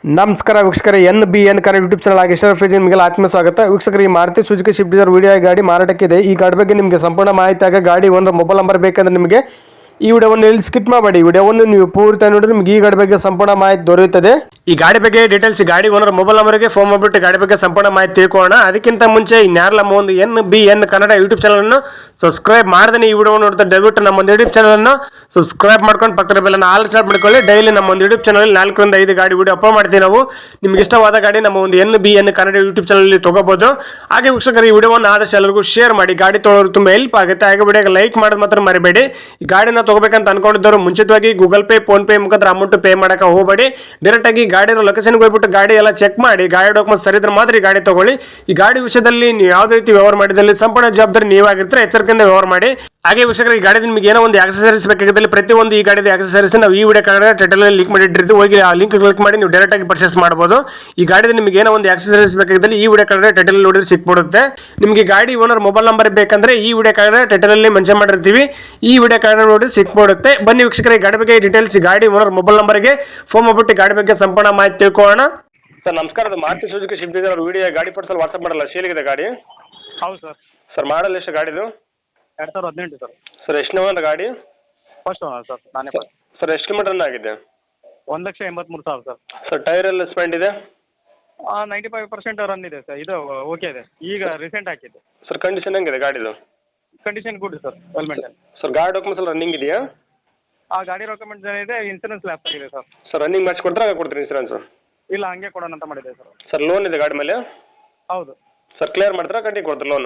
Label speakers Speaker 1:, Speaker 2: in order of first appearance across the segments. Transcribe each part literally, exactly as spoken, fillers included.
Speaker 1: ನಮಸ್ಕಾರ ವೀಕ್ಷಕರೇ, N B N Kannada YouTube channel ಆಗಿ ಇಷ್ಟರ ಫ್ರೀಜ್ ನಿಮಗೆ ಆತ್ಮ ಸ್ವಾಗತ. ವೀಕ್ಷಕರು, ಈ Maruti Suzuki Swift Dzire video ಗಾಡಿ ಮಾರಾಟಕ್ಕಿದೆ. ಈ ಗಾಡಿ ಬಗ್ಗೆ ನಿಮಗೆ ಸಂಪೂರ್ಣ ಮಾಹಿತಿ ಆಗ ಗಾಡಿ ಒಂದು ಮೊಬೈಲ್ ನಂಬರ್ ಬೇಕಂದ್ರೆ ನಿಮಗೆ ಈ ವಿಡಿಯೋವನ್ನು ಇಲ್ಲಿ ಸ್ಕಿಪ್ ಮಾಡಬೇಡಿ. ವಿಡಿಯೋವನ್ನು ನೀವು ಪೂರ್ತಿ ನೋಡಿದ್ರೆ ನಿಮಗೆ ಈ ಗಾಡಿ ಬಗ್ಗೆ ಸಂಪೂರ್ಣ ಮಾಹಿತಿ ದೊರೆಯುತ್ತದೆ. ಈ ಗಾಡಿ ಬಗ್ಗೆ ಡೀಟೇಲ್ಸ್ ಗಾಡಿ ಓನರ್ ಮೊಬೈಲ್ ನಂಬರ್ಗೆ ಫೋನ್ ಮಾಡಿಬಿಟ್ಟು ಗಾಡಿ ಬಗ್ಗೆ ಸಂಪೂರ್ಣ ಮಾಹಿತಿ ತಿಳ್ಕೊಳ್ಳೋಣ. ಅದಕ್ಕಿಂತ ಮುಂಚೆ ಇನ್ಯಾರಲ್ಲ ನಮ್ಮ ಒಂದು N B N Kannada YouTube channel ಅನ್ನು ಸಬ್ಸ್ಕ್ರೈಬ್ ಮಾಡದೇ ಈ ವಿಡಿಯೋ ನೋಡ್ತಾ ದಯವಿಟ್ಟು ನಮ್ಮ ಒಂದು ಯೂಟ್ಯೂಬ್ ಚಾನಲ್ ಅನ್ನು ಸಬ್ಸ್ಕ್ರೈಬ್ ಮಾಡ್ಕೊಂಡು ಪಕ್ಕದ ಬೆಲ್ಲನ್ನು ಆಲ್ ಸ್ಟಾರ್ಟ್ ಮಾಡ್ಕೊಳ್ಳಿ. ಡೈಲಿ ನಮ್ಮ ಒಂದು ಯೂಟ್ಯೂಬ್ ಚಾನಲ್ ನಾಲ್ಕರಿಂದ ಐದು ಗಾಡಿ ವಿಡಿಯೋ ಅಪ್ಲೋಡ್ ಮಾಡ್ತೀವಿ ನಾವು. ನಿಮ್ಗೆ ಇಷ್ಟವಾದ ಗಾಡಿ ನಮ್ಮ ಒಂದು N B N Kannada YouTube channel ತಗೋಬಹುದು. ಹಾಗೆ ವೀಕ್ಷಕರು, ಈ ವಿಡಿಯೋವನ್ನು ಆದಷ್ಟು ಎಲ್ಲರಿಗೂ ಶೇರ್ ಮಾಡಿ. ಗಾಡಿ ತೊಗೊಳ್ಳೋರು ತುಂಬಾ ಹೆಲ್ಪ್ ಆಗುತ್ತೆ. ಹಾಗೆ ವಿಡಿಯೋಗೆ ಲೈಕ್ ಮಾಡೋದು ಮಾತ್ರ ಮರಿಬೇಡಿ. ಈ ಗಾಡಿನ ತಗೋಬೇಕಂತ ಅನ್ಕೊಂಡಿದ್ದವರು ಮುಂಚಿತವಾಗಿ ಗೂಗಲ್ ಪೇ ಫೋನ್ ಪೇ ಮುಖಾಂತರ ಅಮೌಂಟ್ ಪೇ ಮಾಡಕ್ಕೆ ಹೋಗಬೇಡಿ. ಡೈರೆಕ್ಟ್ ಆಗಿ ಗಾಡಿ ಲೊಕೇಶನ್ಗೆ ಹೋಗ್ಬಿಟ್ಟು ಗಾಡಿ ಎಲ್ಲ ಚೆಕ್ ಮಾಡಿ ಗಾಡಿ ಡಾಕ್ಯುಮೆಂಟ್ ಸರಿ ಇದ್ರೆ ಮಾತ್ರ ಈ ಗಾಡಿ ತಗೊಳ್ಳಿ. ಈ ಗಾಡಿ ವಿಷಯದಲ್ಲಿ ನೀವು ಯಾವುದೇ ರೀತಿ ವ್ಯವಹಾರ ಮಾಡಿದಲ್ಲಿ ಸಂಪೂರ್ಣ ಜವಾಬ್ದಾರಿ ನೀವಾಗಿರ್ತಾರೆ. ಎಚ್ಚರಿಕೆಯಿಂದ ವ್ಯವಹಾರ ಮಾಡಿ. ಹಾಗೆ ವೀಕ್ಷಕರು, ಈ ಗಾಡಿ ನಿಮಗೆ ಏನೋ ಒಂದು ಆಕ್ಸೆಸರೀಸ್ ಬೇಕಾಗಿದ್ದಲ್ಲಿ ಪ್ರತಿಯೊಂದು ಈ ಗಾಡಿದ ಆಕ್ಸೆಸರೀಸ್ ನಾವು ಈ ವಿಡಿಯೋ ಕಾರ್ಡ್ ಟೈಟಲ್ ಲಿಂಕ್ ಮಾಡಿಟ್ಟಿರ್ತೀವಿ. ಹೋಗಿ ಆ ಲಿಂಕ್ ಕ್ಲಿಕ್ ಮಾಡಿ ನೀವು ಡೈರೆಕ್ಟ್ ಆಗಿ ಪರ್ಚೇಸ್ ಮಾಡಬಹುದು. ಈ ಗಾಡಿದ ನಿಮಗೆ ಏನೋ ಒಂದು ಆಕ್ಸೆಸರೀಸ್ ಬೇಕಾಗಿದ್ದಲ್ಲಿ ಈ ವಿಡಿಯೋ ಕಾರ್ಡ್ ಟೈಟಲ್ ನೋಡಿದ್ರೆ ಸಿಕ್ಬಿಡುತ್ತೆ. ನಿಮಗೆ ಗಾಡಿ ಓನರ್ ಮೊಬೈಲ್ ನಂಬರ್ ಬೇಕಂದ್ರೆ ಈ ವಿಡಿಯೋ ಕಾರ್ಡ್ ಟೈಟಲ್ ಅಲ್ಲಿ ಮೆನ್ಷನ್ ಮಾಡಿರ್ತೀವಿ. ಈ ವಿಡಿಯೋ ಕಾರ್ಡ್ ನೋಡಿ ಸಿಕ್ಬಿಡುತ್ತೆ. ಬನ್ನಿ ವೀಕ್ಷಕರೇ, ಗಾಡಿ ಬಗ್ಗೆ ಡೀಟೇಲ್ಸ್ ಗಾಡಿ ಓನರ್ ಮೊಬೈಲ್ ನಂಬರ್ಗೆ ಫೋನ್ ಮಾಡ್ಬಿಟ್ಟು ಗಾಡಿ ಬಗ್ಗೆ ಸಂಪೂರ್ಣ ಮಾಹಿತಿ ತಿಳ್ಕೊಳ್ಳೋಣ. ಸರ್ ನಮಸ್ಕಾರ, ಅದು Maruti Suzuki Swift Dzire video ಗಾಡಿ ಪರ್ಸಲ್ ವಾಟ್ಸಪ್ ಮಾಡಲ್ಲ, ಸೇಲಿಗಿದೆ ಗಾಡಿ.
Speaker 2: ಹೌದು ಸರ್.
Speaker 1: ಸರ್ ಮಾಡಲ್ ಎಷ್ಟು ಗಾಡಿದು?
Speaker 2: ಎರಡು ಸಾವಿರದ ಹದಿನೆಂಟು ಸರ್.
Speaker 1: ಸರ್ ಎಷ್ಟು ಓನರ್ ಗಾಡಿ?
Speaker 2: ಫಸ್ಟ್ ಓನರ್ ಸರ್, ನಾನೇ ಫಸ್ಟ್.
Speaker 1: ಸರ್ ಎಷ್ಟು ಕಿಲೋಮೀಟರ್ ರನ್ ಆಗಿದೆ?
Speaker 2: ಒಂದು ಲಕ್ಷ ಎಂಬತ್ತ್ಮೂರು ಸಾವಿರ ಸರ್.
Speaker 1: ಸರ್ ಟೈರ್ ಎಲ್ಲ ಸ್ಪೆಂಡ್ ಇದೆ?
Speaker 2: ನೈಂಟಿ ಫೈವ್ ಪರ್ಸೆಂಟ್ ರನ್ ಇದೆ ಸರ್. ಇದು ಓಕೆ ಇದೆ, ಈಗ ರೀಸೆಂಟ್ ಹಾಕಿದ್ದು.
Speaker 1: ಸರ್ ಕಂಡೀಷನ್ ಹೆಂಗಿದೆ ಗಾಡಿದು?
Speaker 2: Condition good sir, well maintain.
Speaker 1: Sir ಗಾಡಿ ಡಾಕ್ಯುಮೆಂಟ್ಸ್ ಎಲ್ಲ ರನ್ನಿಂಗ್ ಇದೆಯಾ?
Speaker 2: ಆ ಗಾಡಿ ಡಾಕ್ಯುಮೆಂಟ್ಸ್ ಏನಿದೆ, ಇನ್ಸೂರೆನ್ಸ್ ಲ್ಯಾಪ್ಸ್ ಆಗಿದೆ ಸರ್.
Speaker 1: ಸರ್ ರನ್ನಿಂಗ್ ಮಾಡಿಸಿ ಕೊಡ್ತಾರೆ, ಹಾಗೆ ಕೊಡ್ತೀರಿ ಇನ್ಸೂರೆನ್ಸ್?
Speaker 2: ಇಲ್ಲ, ಹಂಗೆ ಕೊಡೋಣ ಅಂತ ಮಾಡಿದೆ ಸರ್.
Speaker 1: ಸರ್ ಲೋನ್ ಇದೆ ಗಾಡಿ ಮೇಲೆ?
Speaker 2: ಹೌದು
Speaker 1: ಸರ್ ಕ್ಲಿಯರ್ ಮಾಡ್ತಾರಾ ಕಂಟಿನ್ಯೂ ಕೊಡ್ತಾರೆ ಲೋನು?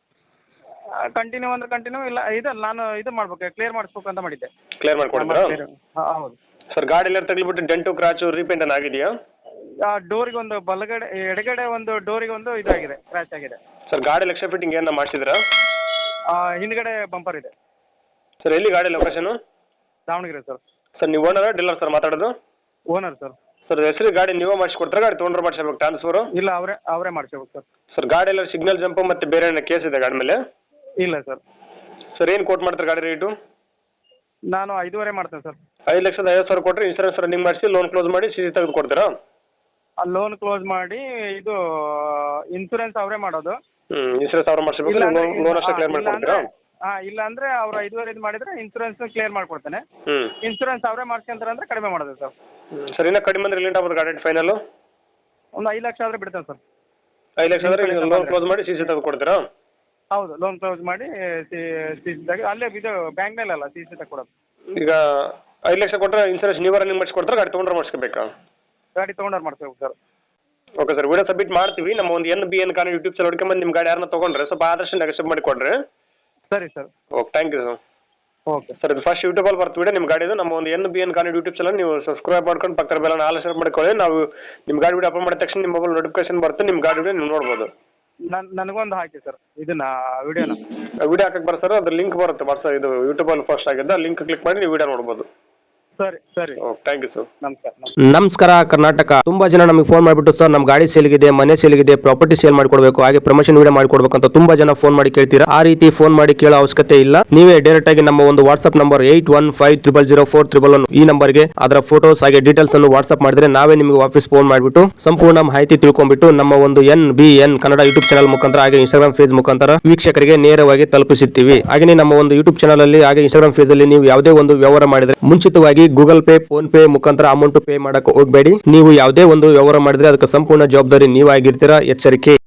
Speaker 2: ಕಂಟಿನ್ಯೂ ಅಂದ್ರೆ ಕಂಟಿನ್ಯೂ, ಇಲ್ಲ ಇದು ನಾನು ಇದು ಮಾಡ್ಬೇಕು, ಕ್ಲಿಯರ್ ಮಾಡಿಸ್ಬೇಕು ಅಂತ ಮಾಡಿದ್ದೆ.
Speaker 1: ಕ್ಲಿಯರ್ ಮಾಡಿಕೊಡ್ತೀರಾ?
Speaker 2: ಹಾಂ ಹೌದು
Speaker 1: ಸರ್ ಗಾಡಿ ಎಲ್ಲ ತಗ್ಲಿಬಿಟ್ಟು ಡೆಂಟು ಕ್ರಾಚು ರೀಪೇಂಟ್ ಅನ್ನ ಆಗಿದೆಯಾ?
Speaker 2: ಆ ಡೋರಿಗೆ ಒಂದು ಬಲಗಡೆ ಎಡಗಡೆ ಒಂದು ಡೋರಿಗೆ ಒಂದು ಇದಾಗಿದೆ, ಕ್ರ್ಯಾಚ್ ಆಗಿದೆ.
Speaker 1: ಸರ್ ಗಾಡಿ ಲಕ್ಷ ಫಿಟ್ಟಿಂಗ್ ಏನ ಮಾಡಿಸಿದ್ರಾ?
Speaker 2: ಹಿಂದ್ಗಡೆ ಬಂಪರ್ ಇದೆ.
Speaker 1: ಸರ್ ಎಲ್ಲಿ ಗಾಡಿ ಲೊಕೇಶನು?
Speaker 2: ದಾವಣಗೆರೆ ಸರ್.
Speaker 1: ಸರ್ ನೀವು ಓನರ್ ಡೀಲರ್ ಸರ್ ಮಾತಾಡೋದು?
Speaker 2: Owner sir.
Speaker 1: ಸರ್ ಹೆಸರು ಗಾಡಿ ನೀವೇ ಮಾಡಿಸ್ಕೊಡ್ತಾರೆ, ಗಾಡಿ ತೊಗೊಂಡ್ರೆ ಮಾಡಿಸ್ಬೇಕು ಟ್ರಾನ್ಸ್ಫರು?
Speaker 2: ಇಲ್ಲ, ಅವರೇ ಅವರೇ ಮಾಡಿಸ್ಬೇಕು ಸರ್.
Speaker 1: ಸರ್ ಗಾಡಿ ಎಲ್ಲ ಸಿಗ್ನಲ್ ಜಂಪು ಮತ್ತು ಬೇರೆ ಏನೋ ಕೇಸ್ ಇದೆ ಗಾಡಿ ಮೇಲೆ?
Speaker 2: ಇಲ್ಲ ಸರ್.
Speaker 1: ಸರ್ ಏನು ಕೋಟ್ ಮಾಡ್ತಾರೆ ಗಾಡಿ ರೇಟು?
Speaker 2: ನಾನು ಐದೂವರೆ ಮಾಡ್ತೇನೆ ಸರ್.
Speaker 1: ಐದು ಲಕ್ಷದ ಐವತ್ತು ಸಾವಿರ ಕೊಟ್ಟರೆ ಇನ್ಸೂರೆನ್ಸ್ ರನ್ನಿಂಗ್ ಮಾಡಿಸಿ ಲೋನ್ ಕ್ಲೋಸ್ ಮಾಡಿ ಸಿ ಸಿ ತೆಗೆದು ಕೊಡ್ತೀರಾ?
Speaker 2: ಲೋನ್ ಕ್ಲೋಸ್ ಮಾಡಿ ಇದು ಇನ್ಸೂರೆನ್ಸ್ ಅವರೇ ಮಾಡೋದು.
Speaker 1: ಹ್ಞೂ ಇನ್ಸೂರೆನ್ಸ್ ಅವ್ರು ಮಾಡಿಸ್ಬೇಕು, ಲೋನ್ ಅಷ್ಟೇ ಕ್ಲಿಯರ್ ಮಾಡ್ಕೊಡ್ತೀರಾ?
Speaker 2: ಹಾಂ, ಇಲ್ಲ ಅಂದರೆ ಅವ್ರು ಐದುವರೆ ಇದು ಮಾಡಿದರೆ ಇನ್ಸೂರೆನ್ಸ್ ಕ್ಲಿಯರ್ ಮಾಡ್ಕೊಡ್ತೇನೆ.
Speaker 1: ಹ್ಞೂ
Speaker 2: ಇನ್ಸೂರೆನ್ಸ್ ಅವರೇ ಮಾಡ್ಸ್ಕೊಂತಾರೆ ಅಂದರೆ ಕಡಿಮೆ ಮಾಡೋದು ಸರ್.
Speaker 1: ಸರ್ ಇನ್ನೂ ಕಡಿಮೆ ಅಂದರೆ ರಿಲೇಟ್ ಆಗ್ಬೋದು ಗಾಡಿ ಫೈನಲ್ಲು?
Speaker 2: ಒಂದು ಐದು ಲಕ್ಷ ಆದರೆ ಬಿಡ್ತೇನೆ ಸರ್.
Speaker 1: ಐದು ಲಕ್ಷ ಆದರೆ ಲೋನ್ ಕ್ಲೋಸ್ ಮಾಡಿ ಸಿ ಸಿ ತೆಗೆದು ಕೊಡ್ತೀರಾ?
Speaker 2: ಹೌದು, ಲೋನ್ ಕ್ಲೋಸ್ ಮಾಡಿ ಸಿ ಸಿ ಸಿ ತೆಗೆ ಅಲ್ಲೇ ಇದು ಬ್ಯಾಂಕ್ನಲ್ಲಿ ಅಲ್ಲ, ಸಿ ಸಿ ತೆಗೆ ಕೊಡೋದು.
Speaker 1: ಈಗ ಐದು ಲಕ್ಷ ಕೊಟ್ಟರೆ ಇನ್ಸೂರೆನ್ಸ್ ನೀವೇ ರನ್ನಿಂಗ್ ಮಾಡಿಸ್ಕೊಡ್ತಾರೆ, ಗಾಡಿ ತೊಗೊಂಡ್ರೆ ಮಾಡಿಸ್ಕೋಬೇಕಾ?
Speaker 2: ಗಾಡಿ ತೊಗೊಂಡ್ರೆ ಮಾಡಿಸ್ಬೇಕು sir.
Speaker 1: Okay sir, video submit ಮಾಡ್ತೀವಿ. ನಮ್ಮ ಒಂದು N B N Kannada YouTube channel ಹುಡ್ಕೊಂಬಂದು ನಿಮ್ಮ ಗಾಡಿ ಯಾರನ್ನ ತೊಗೊಂಡ್ರೆ ಸ್ವಲ್ಪ ಆದಷ್ಟು ನೆಗೆಸಿಬ್ ಮಾಡಿ ಕೊಡ್ರಿ.
Speaker 2: ಸರಿ sir.
Speaker 1: Okay, thank you sir.
Speaker 2: Okay
Speaker 1: sir, ಇದು ಫಸ್ಟ್ ಯೂಟ್ಯೂಬಲ್ಲಿ ಬರ್ತು ವಿಡಿಯೋ ನಿಮ್ಮ ಗಾಡಿದು. ನಮ್ಮ ಒಂದು N B N Kannada YouTube channel ನೀವು ಸಬ್ಸ್ಕ್ರೈಬ್ ಮಾಡ್ಕೊಂಡು ಪಕ್ಕದ ಬೆಲ್ಲ ಆಲ್ ಸ್ಟಾರ್ಟ್ ಮಾಡ್ಕೊಳ್ಳಿ. ನಾವು ನಿಮ್ಮ ಗಾಡಿ ವಿಡಿಯೋ ಅಪ್ಲೋಡ್ ಮಾಡಿದ ತಕ್ಷಣ ನಿಮ್ಮ ಮೊಬೈಲ್ ನೋಟಿಫಿಕೇಶನ್ ಬರುತ್ತೆ, ನಿಮ್ಮ ಗಾಡಿ ವಿಡಿಯೋ ನೀವು ನೋಡ್ಬೋದು.
Speaker 2: ನನ್ನ ನನಗೊಂದು ಹಾಕಿ ಸರ್ ಇದನ್ನ ವಿಡಿಯೋನ.
Speaker 1: ವಿಡಿಯೋ ಹಾಕಕ್ಕೆ ಬರ ಸರ್, ಅದು ಲಿಂಕ್ ಬರುತ್ತೆ ವಾಟ್ಸಪ್, ಇದು ಯೂಟ್ಯೂಬಲ್ಲಿ ಫಸ್ಟ್ ಆಗಿದ್ದ ಲಿಂಕ್ ಕ್ಲಿಕ್ ಮಾಡಿ ನೀವು ವಿಡಿಯೋ ನೋಡ್ಬೋದು.
Speaker 2: ಸರಿ ಸರಿ.
Speaker 1: Okay, thank you sir.
Speaker 2: ನಮಸ್ಕಾರ.
Speaker 1: ನಮಸ್ಕಾರ ಕರ್ನಾಟಕ. ತುಂಬಾ ಜನ ನಮಗೆ ಫೋನ್ ಮಾಡಿಬಿಟ್ಟು ಸರ್ ನಮ್ಮ ಗಾಡಿ ಸೇಲ್ಗಿದೆ, ಮನೆ ಸೇಲ್ಗಿದೆ, ಪ್ರಾಪರ್ಟಿ ಸೇಲ್ ಮಾಡಿಕೊಡ್ಬೇಕು, ಹಾಗೆ ಪ್ರಮೋಷನ್ ವಿಡಿಯೋ ಮಾಡಿಕೊಡ್ಬೇಕು ಅಂತ ತುಂಬಾ ಜನ ಫೋನ್ ಮಾಡಿ ಕೇಳ್ತೀರಾ. ಆ ರೀತಿ ಫೋನ್ ಮಾಡಿ ಕೇಳೋ ಅವಶ್ಯಕತೆ ಇಲ್ಲ. ನೀವೇ ಡೈರೆಕ್ಟ್ ಆಗಿ ನಮ್ಮ ಒಂದು WhatsApp number eight one five triple zero four triple one ಈ ನಂಬರ್ಗೆ ಅದರ ಫೋಟೋಸ್ ಹಾಗೆ ಡೀಟೇಲ್ಸ್ ಅನ್ನು ವಾಟ್ಸ್ಆಪ್ ಮಾಡಿದ್ರೆ ನಾವೇ ನಿಮಗೆ ವಾಪಸ್ ಫೋನ್ ಮಾಡಿಬಿಟ್ಟು ಸಂಪೂರ್ಣ ಮಾಹಿತಿ ತಿಳ್ಕೊಂಡ್ಬಿಟ್ಟು ನಮ್ಮ ಒಂದು N B N Kannada YouTube channel ಮುಖಾಂತರ ಹಾಗೆ ಇನ್ಸ್ಟಾಗ್ರಾಮ್ ಪೇಜ್ ಮುಖಾಂತರ ವೀಕ್ಷಕರಿಗೆ ನೇರವಾಗಿ ತಲುಪಿಸುತ್ತೀವಿ. ಹಾಗೆ ನಮ್ಮ ಒಂದು ಯೂಟ್ಯೂಬ್ ಚಾನಲ್ ಅಲ್ಲಿ ಹಾಗೆ ಇನ್ಸ್ಟಾಗ್ರಾಮ್ ಪೇಜ್ ಅಲ್ಲಿ ನೀವು ಯಾವುದೇ ಒಂದು ವ್ಯವಹಾರ ಮಾಡಿದ್ರೆ ಮುಂಚಿತವಾಗಿ ಗೂಗಲ್ ಪೇ ಫೋನ್ ಪೇ ಮುಖಾಂತರ ಅಮೌಂಟ್ ಪೇ ಮಾಡಕ್ಕೆ ಹೋಗಬೇಡಿ. ನೀವು ಯಾವುದೇ ಒಂದು ವ್ಯವಹಾರ ಮಾಡಿದ್ರೆ ಅದಕ್ಕೆ ಸಂಪೂರ್ಣ ಜವಾಬ್ದಾರಿ ನೀವಾಗಿರ್ತೀರಾ. ಎಚ್ಚರಿಕೆ.